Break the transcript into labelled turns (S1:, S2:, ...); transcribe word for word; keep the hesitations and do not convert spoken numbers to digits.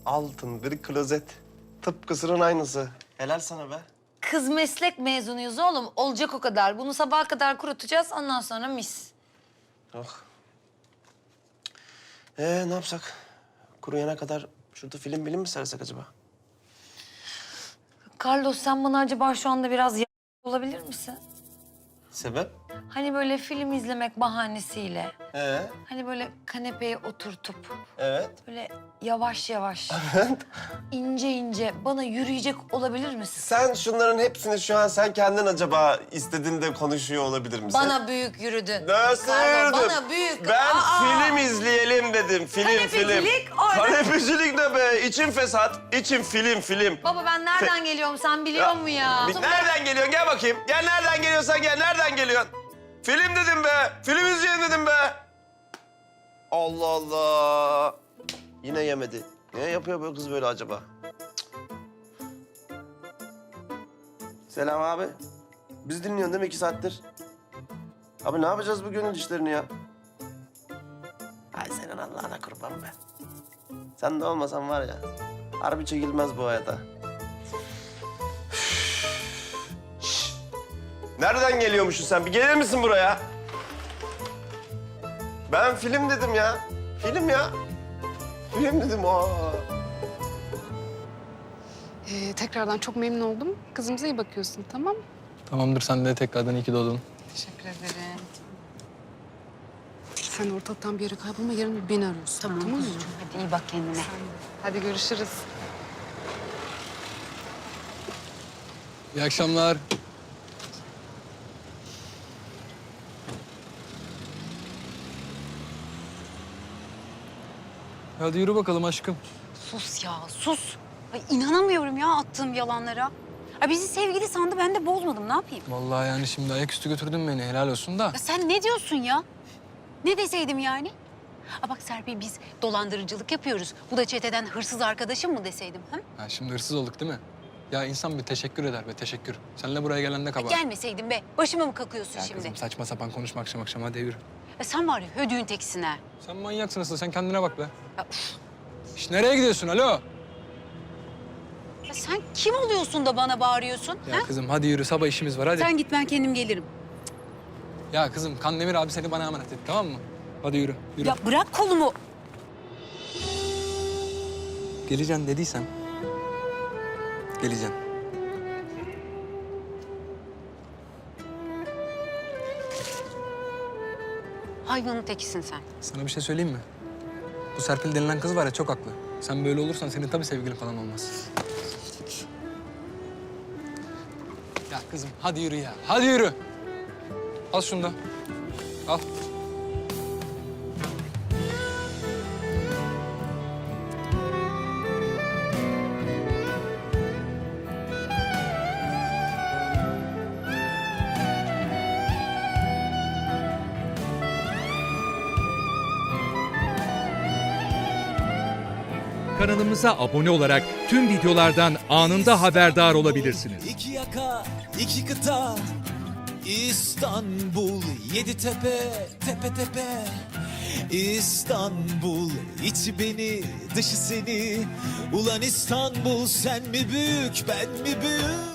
S1: altın bir klozet. Tıpkısının aynısı. Helal sana be.
S2: Kız meslek mezunuyuz oğlum. Olacak o kadar. Bunu sabaha kadar kurutacağız. Ondan sonra mis.
S1: Oh. Ee ne yapsak? Kuruyana kadar şurada film bilim mi sersek acaba?
S2: Carlos sen bana acaba şu anda biraz y- olabilir misin?
S1: Sebep?
S2: Hani böyle film izlemek bahanesiyle.
S1: Ee,
S2: Hani böyle kanepeye oturtup
S1: evet.
S2: böyle yavaş yavaş, ince ince bana yürüyecek olabilir misin?
S1: Sen şunların hepsini şu an sen kendin acaba istediğinde konuşuyor olabilir misin?
S2: Bana büyük yürüdün.
S1: Nasıl
S2: Carlo,
S1: yürüdüm?
S2: bana büyük.
S1: Ben
S2: Aa!
S1: film izleyelim dedim. Film,
S2: Kanepecilik
S1: film.
S2: orada.
S1: Kanepecilik ne be? İçim fesat. İçim film, film.
S2: Baba ben nereden geliyorum sen biliyor musun ya?
S1: Bir- nereden geliyorsun? Gel bakayım. Gel nereden geliyorsan gel. Nereden geliyorsun? Film dedim be. Film izleyelim dedim be. Allah Allah. Yine yemedi. Niye yapıyor bu kız böyle acaba? Cık. Selam abi. Biz dinliyorsun değil mi iki saattir? Abi ne yapacağız bu gönül işlerini ya? Ay senin Allah'ına kurban be. Sen de olmasan var ya, harbi çekilmez bu hayata. Şşş! Nereden geliyormuşsun sen? Bir gelir misin buraya? Ben film dedim ya. Film ya. Film dedim. Aa.
S3: Ee, tekrardan çok memnun oldum. Kızımıza iyi bakıyorsun, tamam mı?
S4: Tamamdır, sen de tekrardan iyi ki doğdun.
S3: Teşekkür ederim. Sen ortalıktan bir yere kaybolma, yarın beni arıyorsun.
S5: Tamam,
S3: tamam mı?
S5: Hadi iyi bak kendine.
S3: Hadi görüşürüz.
S4: İyi akşamlar. Hadi yürü bakalım aşkım.
S5: Sus ya, sus. Ay, inanamıyorum ya attığım yalanlara. Ay, bizi sevgili sandı, ben de bozmadım. Ne yapayım?
S4: Vallahi yani şimdi ayaküstü götürdün beni, helal olsun da.
S5: Ya sen ne diyorsun ya? Ne deseydim yani? Aa, bak Serpil, biz dolandırıcılık yapıyoruz. Bu da çeteden hırsız arkadaşım mı deseydim? Ha?
S4: Ha, şimdi hırsız olduk değil mi? Ya insan bir teşekkür eder be, teşekkür. Seninle buraya gelen de kabahat.
S5: Gelmeseydin be. Başıma mı kakıyorsun
S4: Ya
S5: şimdi?
S4: kızım saçma sapan konuşma akşam akşam, hadi yürü.
S5: Ya sen var ya hödüğün tekisin ha.
S4: Sen manyaksın asıl, sen kendine bak be.
S5: Ya, üf.
S4: Şş, nereye gidiyorsun, alo?
S5: Ya sen kim oluyorsun da bana bağırıyorsun?
S4: Ya
S5: Ha?
S4: kızım hadi yürü, sabah işimiz var hadi.
S5: Sen git, ben kendim gelirim.
S4: Ya kızım Kandemir abi seni bana emanet etti, tamam mı? Hadi yürü, yürü.
S5: Ya bırak kolumu.
S4: Geleceğim dediysen, geleceğim.
S5: Hayvanın tekisin sen.
S4: Sana bir şey söyleyeyim mi? Bu Serpil denilen kız var ya, çok haklı. Sen böyle olursan senin tabii sevgilin falan olmaz. Ya kızım hadi yürü ya, hadi yürü. Al şunu da. Al.
S6: Kanalımıza abone olarak tüm videolardan anında haberdar olabilirsiniz.
S7: İki yaka, iki kıta, İstanbul, yedi tepe, tepe tepe. İstanbul, içi beni, dışı seni. Ulan İstanbul, sen mi büyük, ben mi büyük?